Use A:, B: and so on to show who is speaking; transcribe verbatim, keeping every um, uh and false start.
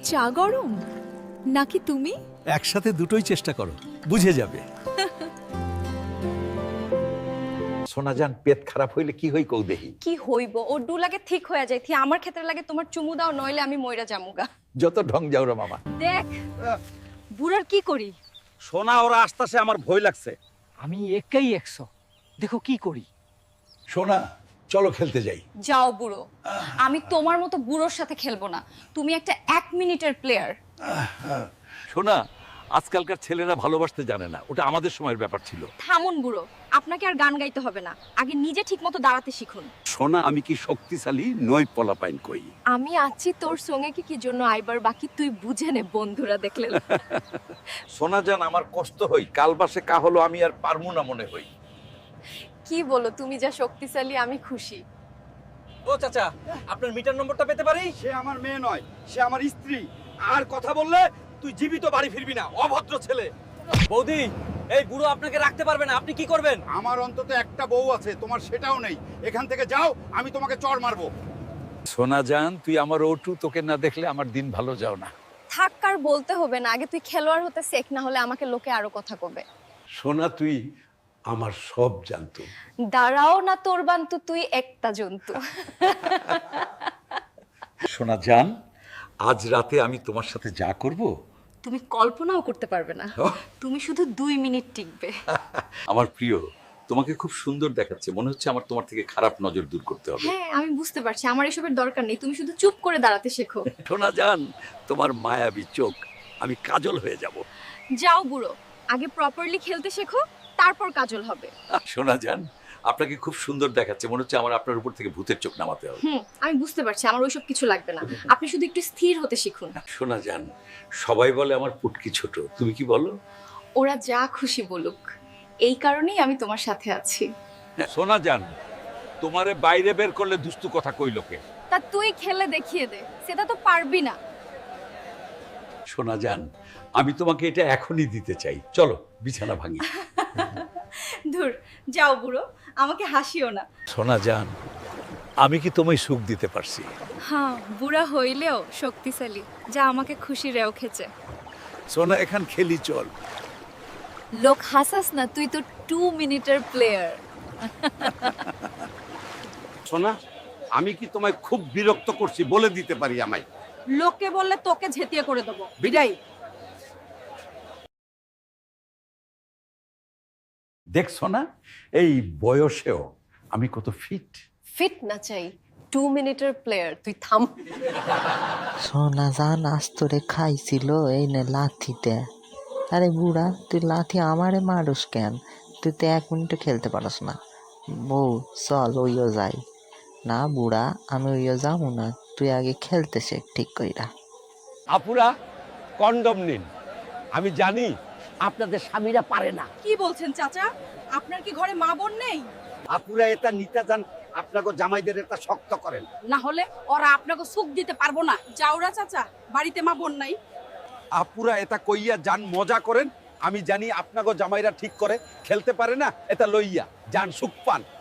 A: চা গরম নাকি তুমি?
B: একসাথে দুটোই চেষ্টা করো, বুঝে যাবে।
C: সোনা জান, পেট খারাপ হইলে কি হই কও দেহি।
D: কি হইব ও ডু লাগে ঠিক হয়ে যায় থি আমার ক্ষেত্রে লাগে তোমার চুমু দাও নইলে আমি মইরা জামুগা।
C: যত ঢং যাও রে মামা।
D: দেখ বুড়ার কি করি।
E: সোনা ওরা আসতেছে, আমার ভয় লাগছে।
F: আমি একাই একশো, দেখো কি করি।
C: সোনা চলো খেলতে যাই।
D: যাও বুড়ো, আমি তোমার মতো বুড়োর সাথে খেলবো না। তুমি একটা এক মিনিটের প্লেয়ার।
E: সোনা, আজকালকার ছেলেরা ভালোবাসতে জানে না, ওটা আমাদের সময়ের ব্যাপার ছিল।
D: থামুন বুড়ো, আপনাকে আর গান গাইতে হবে না, আগে নিজে ঠিকমতো দাঁড়াতে শিখুন।
E: সোনা, আমি কি শক্তিশালী নই পলাপাইন কই।
D: আমি আছি তোর সঙ্গে কি কি জন্য আইবার বাকি তুই বুঝে নে বন্ধুরা দেখলে।
C: সোনা জান, আমার কষ্ট হই, কাল বাসে কা হলো আমি আর পারমু না মনে হই।
D: কি বলো, তুমি যা শক্তিশালী আমি খুশি।
E: ও চাচা, আপনার মিটার নম্বরটা পেতে পারি?
G: সে আমার মেয়ে নয়, সে আমার স্ত্রী। আর কথা বললে তুই জীবিত বাড়ি ফিরবি না, অভদ্র ছেলে।
E: বৌদি, এই বুড়ো আপনাকে রাখতে পারবে না, আপনি কি করবেন?
G: আমার অন্তত একটা বউ আছে, তোমার সেটাও নেই। এখান থেকে যাও, আমি তোমাকে চড় মারবো।
C: সোনা জান, তুই আমার ওটু, তোকে না দেখলে আমার দিন ভালো যাও না।
D: থাক আর বলতে হবে না, আগে তুই খেলোয়াড় হতে শেখ, না হলে আমাকে লোকে আরো কথা কবে।
C: সোনা, তুই আমার সব জানতো।
D: দাঁড়াও না তোর বান্তু, তুই একটা জন্তু।
C: সোনা জান, আজ রাতে আমি তোমার সাথে যা করব
D: তুমি কল্পনাও করতে পারবে না। তুমি শুধু দুই মিনিট টিকবে।
C: আমার প্রিয়, তোমাকে খুব সুন্দর দেখাচ্ছে, মনে হচ্ছে আমার তোমার থেকে খারাপ নজর দূর করতে হবে।
D: হ্যাঁ আমি বুঝতে পারছি, আমার এসবের দরকার নেই, তুমি শুধু চুপ করে দাঁড়াতে শেখো।
C: সোনা জান, তোমার মায়াবী চোখ, আমি কাজল হয়ে যাব।
D: যাও বুড়ো, আগে প্রপারলি খেলতে শেখো, তারপর কাজল হবে।
C: সোনা জান, আপনাকে খুব সুন্দর দেখাচ্ছে, মনে হচ্ছে আমার আপনার উপর থেকে ভূতের চোখ নামাতে হবে।
D: হুম আমি বুঝতে পারছি, আমার ওইসব কিছু লাগবে না, আপনি শুধু একটু স্থির হতে শিখুন।
C: সোনা জান, সবাই বলে আমার পুটকি ছোট, তুমি কি বলো?
D: ওরা যা খুশি বলুক, এই কারণেই আমি তোমার সাথে আছি।
E: সোনা জান, তোমারে বাইরে বের করলে দুস্তু কথা কই লোকে।
D: তা তুই খেলে দেখিয়ে দে, সেটা তো পারবি না।
C: সোনা জান, আমি তোমাকে এটা এখনই দিতে চাই, চলো বিছানা ভাঙি।
D: ধুর, যাও বুড়ো, আমাকে হাসিও না।
C: সোনা জান, আমি কি তোমায় সুখ দিতে পারছি?
D: হ্যাঁ, বুড়া হইলেও শক্তিশালী, যা আমাকে খুশি রেও খেছে।
C: সোনা, এখান খেলি চল।
A: লোক হাসাস না, তুই তো টু মিনিটের প্লেয়ার।
G: সোনা, আমি কি তোমায় খুব বিরক্ত করছি বলে দিতে পারি আমায়?
D: লোকে বললে তোকে ঝেঁটিয়ে করে দেবো, বিদায়।
C: দেখছো না, এই বয়সেও আমি কত ফিট।
D: ফিট না চাই, টু মিনিটের প্লেয়ার, তুই থাম।
H: সোনা জান আজ তোরে খাইছিল এই নে লাথিতে। আরে বুড়া, তুই লাথি আমারে মারুস কেন? তুই তো এক মিনিটও খেলতে পারস না। বউ চল ওইও যাই। না বুড়া, আমি ওইও যাবো না, তুই আগে খেলতে শেখ ঠিক কইরা।
E: আপুরা, কন্ডম নিন। আমি জানি আপনাদের স্বামীরা পারে না।
D: কি বলছেন চাচা, আপনার কি ঘরে মা বোন নেই?
G: আপুরা এটা নিতে যান, আপনাকে জামাইদের এটা শক্ত করেন।
D: না হলে ওরা আপনাকে সুখ দিতে পারবো না। যাওরা চাচা, বাড়িতে মা বোন নাই।
G: আপুরা এটা কইয়া যান, মজা করেন। আমি জানি আপনাকে জামাইরা ঠিক করে খেলতে পারে না, এটা লইয়া যান সুখ পান।